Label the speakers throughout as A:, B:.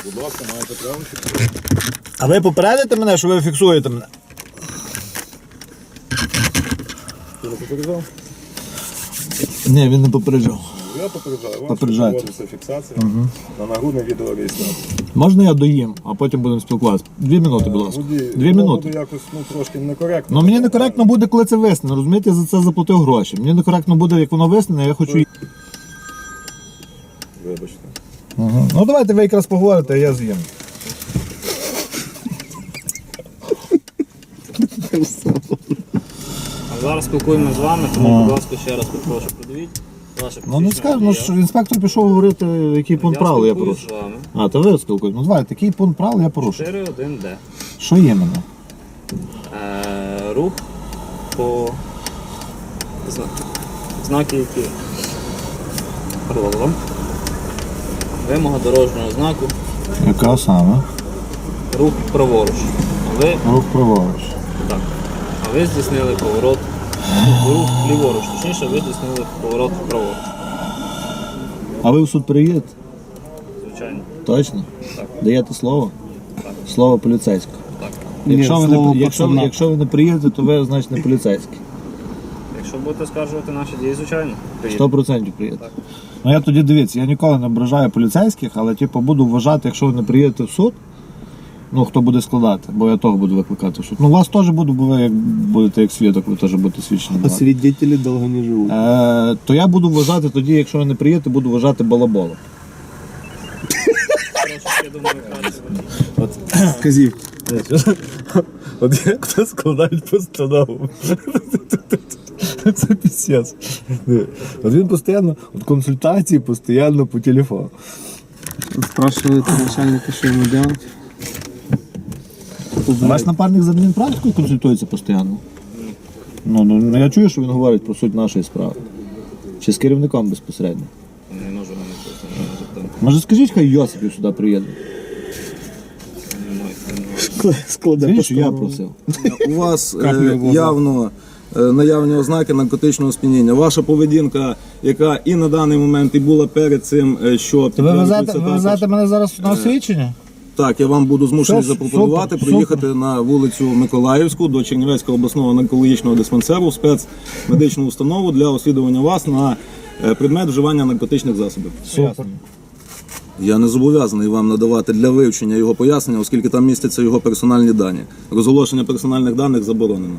A: Будь ласка, маєте право.
B: А ви попередите мене, що ви фіксуєте мене?
A: Ти не попереджав?
B: Ні, він не попереджав.
A: Я попереджаю. Вам
B: Попереджайте.
A: проводиться фіксація на нагрудний відеореєстратор.
B: Можна я доїм, а потім будемо спілкуватися? 2 минути, будь ласка. 2 минути.
A: Буде якось трошки некоректно.
B: Ну мені некоректно буде, коли це виснено, розумієте, я за це заплатив гроші. Мені некоректно буде, як воно виснене, я хочу...
A: Вибачте.
B: Угу. Ну давайте ви якраз поговорите, а я з'їм.
C: А зараз спілкуємося з вами, тому, будь ласка, ще раз попрошу, подивіть ваше
B: Ну не скажу, ну, що інспектор пішов говорити, який пункт правил я
C: спілкуюсь
B: порушив.
C: з вами.
B: А, то ви спілкуєте. Ну давай, такий пункт правил я порушив.
C: 4.1d.
B: Що є мене?
C: Рух по знаки, які пролом. Вимога дорожнього знаку,
B: Яка саме?
C: рух праворуч.
B: Рух праворуч.
C: Так. А ви здійснили поворот, рух ліворуч, точніше, ви здійснили поворот праворуч.
B: А ви в суд приїдете?
C: Звичайно.
B: Точно?
C: Так.
B: Даєте слово?
C: Так.
B: Слово поліцейського.
C: Так.
B: Якщо ви не приїдете, то ви, значить, не поліцейський.
C: Якщо будете скаржувати наші дії, звичайно, приїдете.
B: 100% приїдете.
C: Так.
B: Ну я тоді дивіться, я ніколи не ображаю поліцейських, але типу, буду вважати, якщо ви не приїдете в суд, ну хто буде складати, бо я того буду викликати в суд. Ну вас теж буду, бо ви як будете як свідок, ви теж будете свідчені.
D: А свидетели долго не живут.
B: То я буду вважати тоді, якщо ви не приїдете, буду вважати балаболом.
C: Трошки, я думаю, краще.
D: Казів.
B: От як хто складають постанову. Це пісець. От він постійно, от консультації постійно по телефону.
D: Спрашивает начальника, что ему делать.
B: Ваш напарник з адмінпрактикою консультується постійно? Ну, я чую, що він говорить про суть нашої справи. Чи з керівником безпосередньо?
C: Не можу вам запитати.
B: Може скажіть, хай Йосипів сюди приїде? Скажіть, що я просив.
E: У вас явно наявні ознаки наркотичного сп'яніння. Ваша поведінка, яка і на даний момент і була перед цим, що
B: Ви
E: підтверджується
B: везете
E: також.
B: мене зараз на освідчення?
E: Так, я вам буду змушений
B: Супер,
E: запропонувати
B: супер,
E: приїхати на вулицю Миколаївську до Чернівецького обласного наркологічного диспансеру в спецмедичну установу для освідування вас на предмет вживання наркотичних засобів.
B: Супер.
E: Я не зобов'язаний вам надавати для вивчення його пояснення, оскільки там містяться його персональні дані. Розголошення персональних даних заборонено.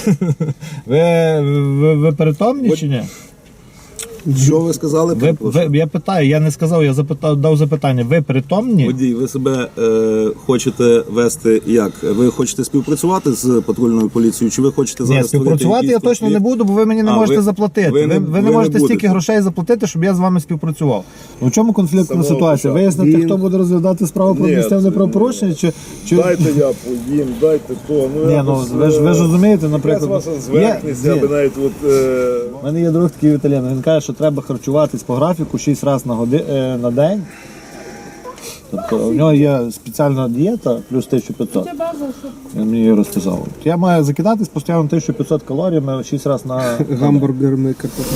B: Ви перетомні чи ні?
E: Що ви сказали?
B: Я питаю, я не сказав, я дав запитання. Ви притомні?
E: Водій, ви себе хочете вести як? Ви хочете співпрацювати з патрульною поліцією, чи ви хочете
B: Ні,
E: зараз
B: співпрацювати я точно не буду, бо ви мені не можете заплатити. Ви не можете стільки
E: будете.
B: грошей заплатити, щоб я з вами співпрацював. В чому конфліктна ситуація? Вияснити, хто буде розглядати справу про адміністративне правопорушення?
A: Дайте я поїм, дайте то.
B: Ні, ну ви ж розумієте, наприклад.
A: Якась ваша зверхність, я би навіть от...
B: У мене є друг такий італієн, він каже, що треба харчуватись по графіку 6 разів на день. Тобто у нього є спеціальна дієта плюс 1500. Він мені її розказав. Я маю закидатись постійно 1500 калоріями 6 разів на
D: Гамбургерный картофель.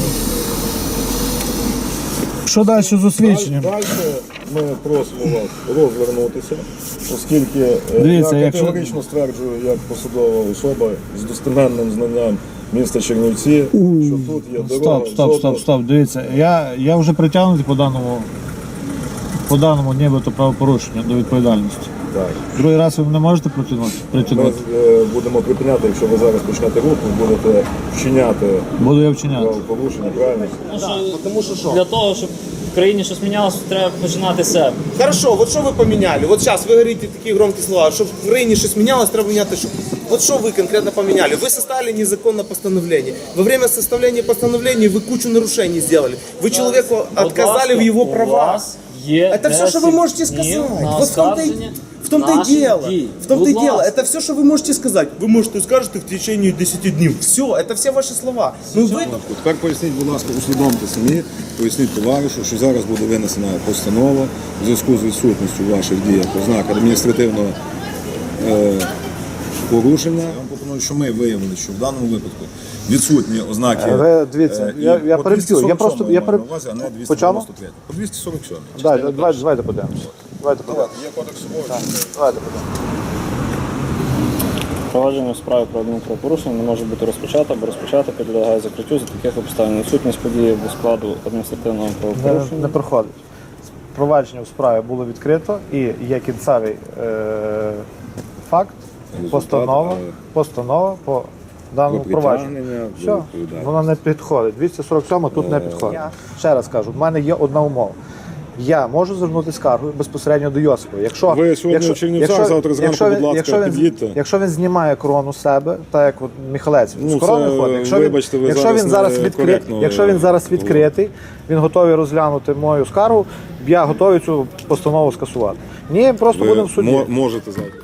B: Що далі з освідченням?
A: Далі ми просимо вас розвернутися, оскільки
B: Дивіться,
A: я
B: якщо-
A: категорично стверджую, як посадова особа з достеменним знанням міста Чернівці, що тут є дорога.
B: Стоп. Дивіться, я вже притягнутий по даному нібито правопорушенню до відповідальності.
A: Так.
B: Другий раз ви мене можете притягнути?
A: Ми будемо припиняти, якщо ви зараз почнете рух, ви будете вчиняти
B: Буду я вчиняти.
A: правопорушення, правильно?
F: Потому что что?
C: Для того, щоб в країні щось мінялося, треба починати з себе.
F: Хорошо, вот что вы поменяли? Вот сейчас вы говорите такие громкие слова, чтобы в Украине что-то менялось, треба менять что. Вот что вы конкретно поменяли? Вы составили незаконное постановление. Во время составления постановления вы кучу нарушений сделали. Вы человеку отказали в его правах. Это все, что вы можете сказать. Вот в том-то и дело. В том-то и дело. Это все, что вы можете сказать. Вы можете скажете в течение 10 дней. Все, это все ваши слова. Ну вы...
A: Тепер поясніть, будь ласка, усвідомте самі, поясніть товаришу, що зараз буде винесена постанова в зв'язку з відсутністю в ваших діях ознак адміністративного порушення. Я вам пропоную, що ми виявили, що в даному випадку відсутні ознаки.
B: Дивіться, я переб'ю. Я просто.
A: маю на увазі, а не 293. По 247.
B: Давайте подивимося. Давайте подивимося.
A: Є кодекс собою.
B: Давайте подивимося.
C: Провадження у справі про адмінправопорушення не може бути розпочато, або розпочато підлягає закриттю за таких обставин. Відсутність події до складу адміністративного правопорушення.
B: Не проходить. Провадження у справі було відкрито і є кінцевий факт, постанова по даному
A: Про
B: провадженню.
A: притягнення до
B: Все,
A: відповідальності.
B: вона не підходить. 247 тут не підходить. Ще раз кажу, в мене є одна умова. Я можу звернути скаргу безпосередньо до Йосипа. Якщо,
A: Ви сьогодні в Чернівцях, завтра зранку, будь ласка, під'їдьте.
B: Якщо він знімає корону з себе, так як от Михалець
A: Ну,
B: з корони
A: це,
B: ходить,
A: вибачте, ви зараз некоректно
B: якщо він зараз відкритий, він готовий розглянути мою скаргу, я готовий цю постанову скасувати. Ні, просто будемо в суді.
A: Можете завтра.